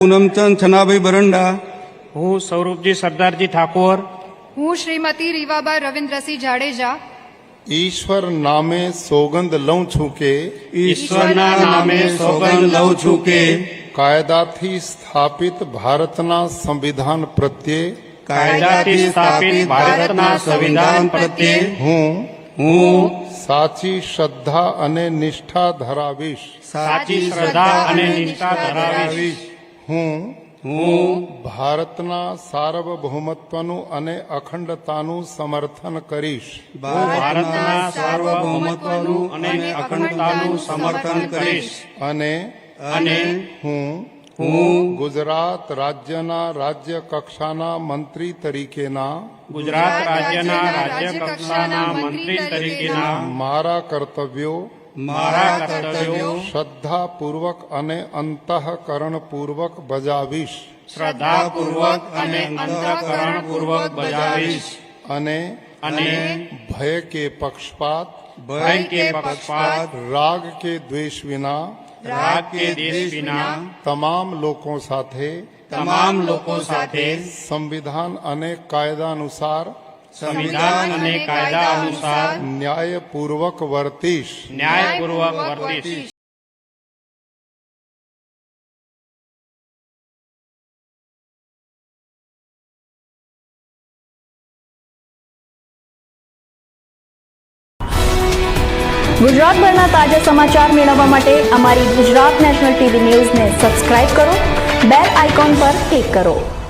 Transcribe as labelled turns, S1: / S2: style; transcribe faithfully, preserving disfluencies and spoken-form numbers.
S1: પૂનમચંદ છનાભાઈ બરંડા,
S2: હું સૌરભજી સરદારજી ઠાકોર,
S3: હું શ્રીમતી રીવાબા રવિન્દ્રસિંહ જાડેજા
S4: ઈશ્વર નામે સોગંદ લઉં છું કે
S1: ઈશ્વરના નામે સોગંદ લઉં છું કે
S4: કાયદાથી સ્થાપિત ભારતના સંવિધાન પ્રત્યે
S2: કાયદાથી સ્થાપિત ભારતના સંવિધાન પ્રત્યે
S4: હું
S1: હું
S4: સાચી શ્રદ્ધા અને નિષ્ઠા ધરાવીશ.
S2: સાચી શ્રદ્ધા અને નિષ્ઠા ધરાવીશ.
S4: હું
S1: હું
S4: ભારતના સાર્વભૌમત્વનું અને અખંડતાનું સમર્થન કરીશ.
S2: ભારતના સાર્વભૌમત્વનું અને અખંડતાનું સમર્થન કરીશ.
S4: અને
S2: અને
S4: હું
S1: હું
S4: ગુજરાત રાજ્યના રાજ્ય કક્ષાના મંત્રી તરીકેના
S2: ગુજરાત રાજ્યના રાજ્ય કક્ષાના મંત્રી તરીકેના
S4: મારા કર્તવ્યો
S2: મારા કર્તવ્યો
S4: શ્રદ્ધાપૂર્વક અને અંતઃકરણપૂર્વક બજાવીશ.
S2: શ્રદ્ધાપૂર્વક અને અંતઃકરણપૂર્વક બજાવીશ.
S4: અને
S2: અને
S4: ભય કે પક્ષપાત,
S2: ભય કે પક્ષપાત,
S4: રાગ કે દ્વેષ વિના
S2: રાગ કે દેશ વિના
S4: તમામ લોકો સાથે
S2: તમામ લોકો સાથે
S4: સંવિધાન અને કાયદા અનુસાર
S2: સંવિધાન અને કાયદા અનુસાર
S4: ન્યાયપૂર્વક વર્તીશ.
S2: ન્યાયપૂર્વક વર્તીશ.
S5: ગુજરાતભરના તાજા સમાચાર મેળવવા માટે અમારી ગુજરાત નેશનલ ટીવી ન્યૂઝને સબસ્ક્રાઇબ કરો, બેલ આઇકોન પર ક્લિક કરો.